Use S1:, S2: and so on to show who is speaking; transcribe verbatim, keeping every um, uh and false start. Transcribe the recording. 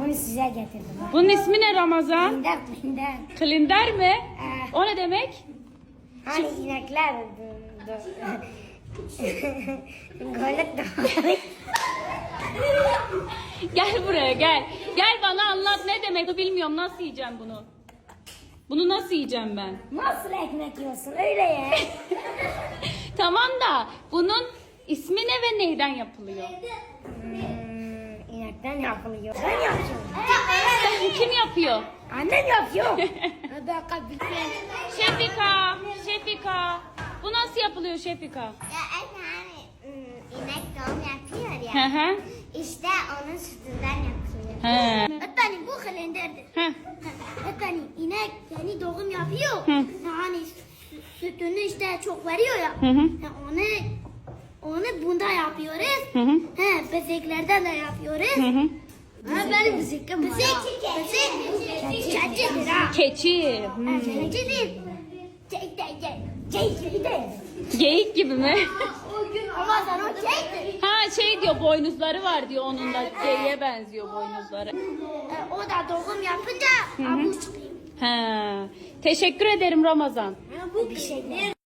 S1: bunu size getirdim.
S2: Bunun ismi ne Ramazan?
S1: Klinder, klinder.
S2: Klinder mi?
S1: Eh.
S2: O ne demek?
S1: Hani inekler... Golük de
S2: Gel buraya gel. Gel bana anlat ne demek? Bilmiyorum nasıl yiyeceğim bunu. Bunu nasıl yiyeceğim ben?
S1: Nasıl ekmek yiyorsun öyle ya?
S2: Tamam da bunun ismi ne ve neyden yapılıyor?
S1: Hmm, inekten yapılıyor. Ben yapıyorum.
S2: Kim yapıyor?
S1: Annem yapıyor.
S2: Şefika, Şefika. Bu nasıl yapılıyor Şefika?
S3: Ya anne hani ım, inek doğum yapıyor
S2: Hı
S3: ya.
S2: hı.
S3: İşte onun sütünden yapılıyor.
S2: He.
S3: Efendim bu kalenderdir.
S2: Heh.
S3: Efendim inek yeni doğum yapıyor.
S2: Hı.
S3: Yani sü- sütünü işte çok veriyor ya.
S2: Hı hı.
S3: Ha, onu onu bunda yapıyoruz.
S2: Hı hı.
S3: He, bezeklerden de yapıyoruz.
S2: Hı hı.
S3: Ha, benim bezekim var. Bezek, bezek, keçidir ha.
S2: Keçi. Hmm.
S3: Keçi değil. Cek, cek, cek. Cek gibi de.
S2: Geyik gibi mi?
S3: Ama sen o cektir.
S2: Ha şey diyor boynuzları var diyor onun da geyiğe benziyor boynuzları.
S3: E, o da doğum yapınca avuç çıkıyor.
S2: He. Teşekkür ederim Ramazan.
S3: Bu bir şey.